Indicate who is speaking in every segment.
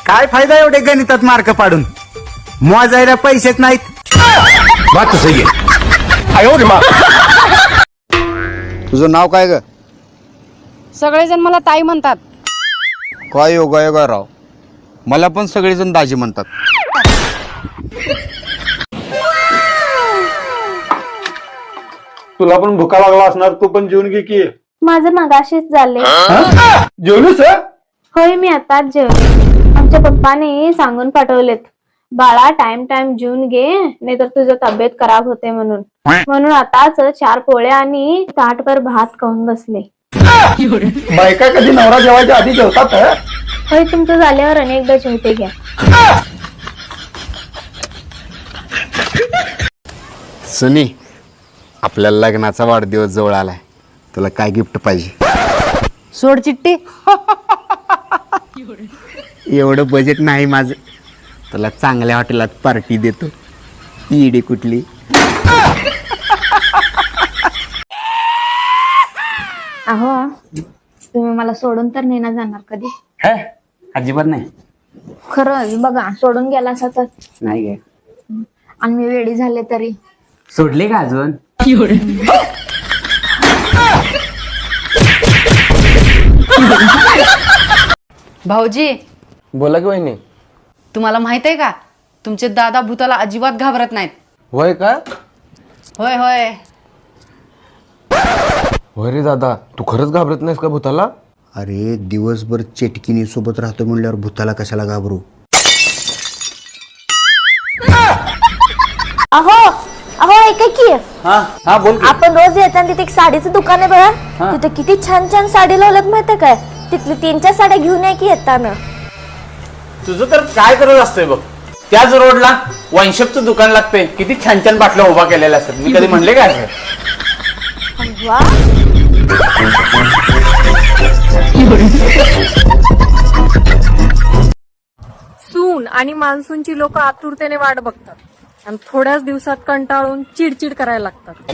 Speaker 1: काय फायदा एवढे गणितात मार्क पाडून, मोजायला पैसेच नाहीत.
Speaker 2: बात तो सही है.
Speaker 3: तुझं नाव काय ग?
Speaker 4: सगळेजण मला ताई म्हणतात.
Speaker 3: काय योगा राव, मला पण सगळेजण दाजी म्हणतात.
Speaker 5: तुला पण भुका लागला असणार, तू पण जेवून घे की.
Speaker 6: माझं मगाशीच झाले.
Speaker 5: जेवलीस?
Speaker 6: होय, मी आताच जेवले. आमच्या पप्पाने सांगून पाठवलेत, बाळा टाइम टाइम जेवून घे, नाहीतर तुझं तब्येत खराब होते म्हणून आताच 4 पोळ्या आणि ताटभर भात खाऊन बसले.
Speaker 5: बायका कधी नवरा जेवायच्या आधी जेवतात?
Speaker 6: होय, तुमचं झाल्यावर अनेकदा जेवते घ्या.
Speaker 3: सनी, आपल्या लग्नाचा वाढदिवस जवळ आलाय, तुला काय गिफ्ट पाहिजे?
Speaker 4: सोड चिट्टी.
Speaker 3: एवढं बजेट नाही माझं, तुला चांगल्या हॉटेलात पार्टी देतो. ईडी कुठली?
Speaker 6: अहो, तुम्ही मला सोडून तर नाही ना जाणार कधी?
Speaker 1: अजिबात नाही.
Speaker 6: खरंच बघा, सोडून गेला असा तर.
Speaker 1: नाही गे.
Speaker 6: आणि मी वेडी झाले तरी.
Speaker 1: सोडले का अजून?
Speaker 4: भाऊजी,
Speaker 2: बोला की वहिनी.
Speaker 4: तुम्हाला माहित आहे का, तुमचे दादा भूताला अजिबात घाबरत नाहीत.
Speaker 2: होय का?
Speaker 4: होय होय.
Speaker 2: होय रे दादा, तू खरंच घाबरत नाहीस का भूताला?
Speaker 3: अरे दिवसभर चेटकिनी सोबत राहतो म्हणल्यावर भूताला कशाला घाबरू?
Speaker 6: अहो ऐका की,
Speaker 5: हा बोल की.
Speaker 6: आपण रोज येताना तिथे एक साडीचं दुकान आहे बघा, तिथे किती छान छान साडी लावल्यात माहितीये काय? तिथली 3-4 साड्या घेऊन या की येताना.
Speaker 7: तुझं तर काय करत असतंय बघ, त्याच रोडला वाईनशॉपचं दुकान लागतंय, किती छान छान बाटल्या उभा केलेल्या असतात. मी कधी म्हणले काय असं?
Speaker 6: वा,
Speaker 8: सून आणि मान्सूनची लोक आतुरतेने वाट बघतात आणि थोड्याच दिवसात कंटाळून चिडचिड करायला लागतात.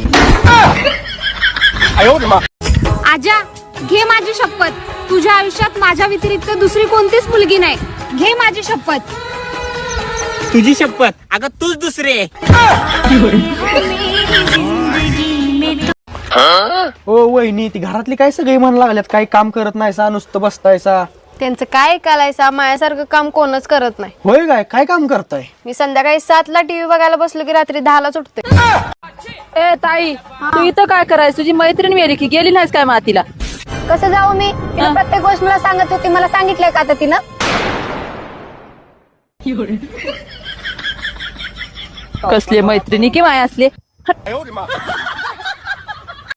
Speaker 9: आजा, घे माझी शपथ, तुझ्या आयुष्यात माझ्या व्यतिरिक्त दुसरी कोणतीच मुलगी नाही. घे माझी शपथ.
Speaker 7: तुझी शपथ? अगं तूच दुसरे.
Speaker 10: हो वहिनी, ती घरातली काय सगळी म्हण लागल्यात, काही काम करत नाहीसा, नुसतं बसतायसा.
Speaker 4: त्यांचं काय ऐकायलायसा, माझ्यासारखं काम कोणच करत नाही.
Speaker 10: होय काय, काय काम करताय?
Speaker 4: मी संध्याकाळी 7ला टीव्ही बघायला बसलो की रात्री 10ला सुटते.
Speaker 8: ए ताई, तू इथं काय करायस? तुझी मैत्रीण मेली की गेली नाहीस काय मातीला?
Speaker 4: कसं जाऊ मी? तिला प्रत्येक गोष्ट मला सांगत होती, मला सांगितलंय का आता तिनं?
Speaker 8: कसले मैत्रिणी की माय असले.